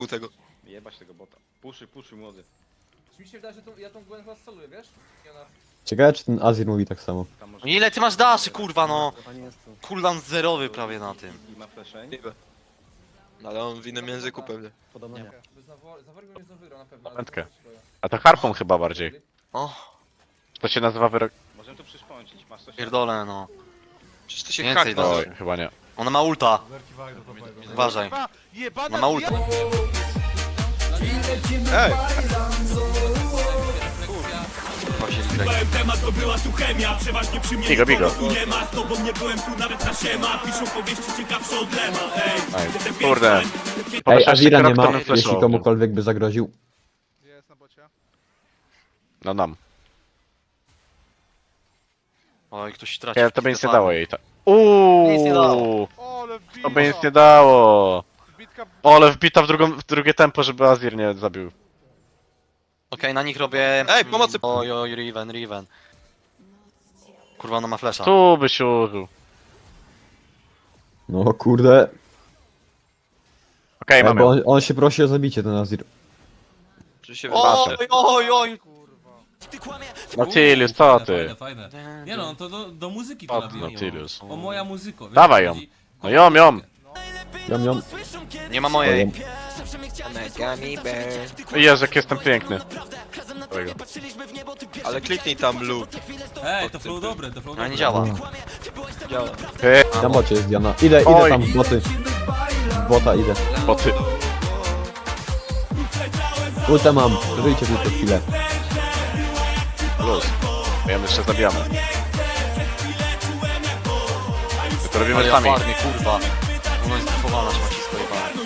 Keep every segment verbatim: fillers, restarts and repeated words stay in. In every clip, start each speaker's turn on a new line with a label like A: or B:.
A: u tego.
B: Jebać tego bota. Puszuj, puszuj młody.
C: Mi się wydaje, że tą, ja tą Gwen chyba soluję, wiesz? I ona...
D: Ciekawe czy ten Azir mówi tak samo.
B: Tam może...
E: Ile ty masz daszy, kurwa, no? Cooldown zerowy prawie na tym.
B: I ma fleszeń.
A: Niby. No ale on w innym języku pewnie.
D: Podobno nie.
C: Bez nawor... Zaworgu nie znowu wygrał na pewno. ale
F: Pamiętkę.
C: to się boję.
F: A to harpą chyba bardziej.
E: O,
F: To się nazywa wyrok...
B: Możemy to przyszpącić, masz coś...
E: pierdolę, no.
A: Przecież to się
E: Więcej
A: hak
E: do-
A: nazywa.
F: Oj, chyba nie.
E: Ona ma ulta. Uważaj. Ona ma ulta.
A: Ej!
E: Kurwa się zgrać.
G: Temat to była tu chemia, przeważnie przy mnie
F: Bigo, bigo.
G: nikogo tu nie ma. Z tobą nie byłem tu nawet na siema. Piszą powieści ciekawsze od Lema, ej.
F: Ej,
G: Jestem
F: kurde.
G: piękny.
D: Ej, Azira nie ma,
F: Kto bym
D: jeśli
F: flashował?
D: komukolwiek by zagroził.
F: No nam.
E: Oj, ktoś traci.
F: Nie, to by nic nie
E: farmy.
F: dało jej tak.
E: Nic nie dało.
F: Uuuu. To by nic nie dało. O, ale wbita w, drugą, w drugie tempo, żeby Azir nie zabił.
E: Okej, na nich robię...
A: Ej, pomocy!
E: Oj, oj, Riven, Riven. Kurwa, ona ma flesza.
F: Tu by się użył.
D: No kurde.
F: Okej,
D: Ej,
F: mamy.
D: bo on, on się prosi o zabicie, ten Azir.
A: Czy się
E: Oj, oj, oj!
F: Nautilus, co ty?
H: Fajne, fajne. Nie no, to do, do muzyki to
F: O,
H: nabiję.
F: Nautilus.
H: O moja muzyko. wiesz,
F: Dawaj
H: o
F: ją.
H: co chodzi?
F: No ją, ją.
D: Jom, jom.
E: Nie ma mojej.
F: Jezu, jak jestem piękny. Dobrego.
A: Ale kliknij tam lub.
H: Ej, to flow dobre, to flow
E: Ona
H: dobre.
E: nie działa.
A: Działa.
F: Ty,
D: Na bocie jest Diana. Idę, idę
F: Oj.
D: tam w boty. W bota idę.
F: bo ty.
D: Ulta mam, żyjcie tylko chwilę.
F: Plus. My ją jeszcze zabijamy. My to robimy
E: Ale ja
F: sami.
E: farmię, kurwa. Ona jest bufowana, szmacisko jebane.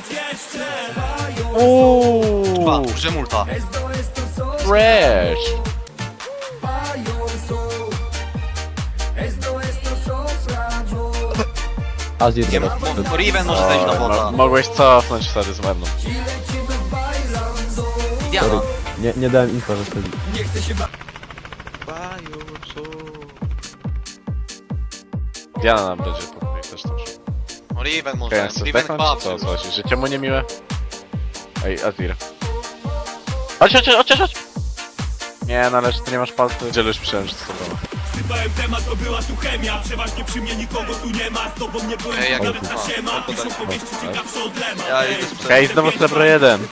E: Kurwa,
F: Uuuu.
E: użyłem ulta.
F: Fresh.
D: Azir teraz.
E: Riven może zejść na
F: O,
E: bota.
F: mo- mogłeś cofnąć wtedy z mną.
E: Diana.
D: Sorry. Nie, nie dałem info, że wtedy.
F: Diana nam będzie po też też.
E: Riven
F: Okej,
E: może.
F: ja chcę
E: Riven
F: zdechnąć,
E: chyba.
F: czy co, co, życie mu niemiłe? Ej, Azir. Chodź, chodź, chodź, chodź! Nie, no ale że ty nie masz palcy. Gdzie już myślałem, że to są
G: Sypałem temat, to była tu chemia, przeważnie przy mnie nikogo tu nie ma. Z tobą nie byłem
E: Ej, jak
G: tu nawet
E: kurwa.
G: na siema. Piszą powieści ciekawsze od Lema,
A: Ja
G: ej.
A: idę sprzedać.
F: Okej, znowu srebro jeden.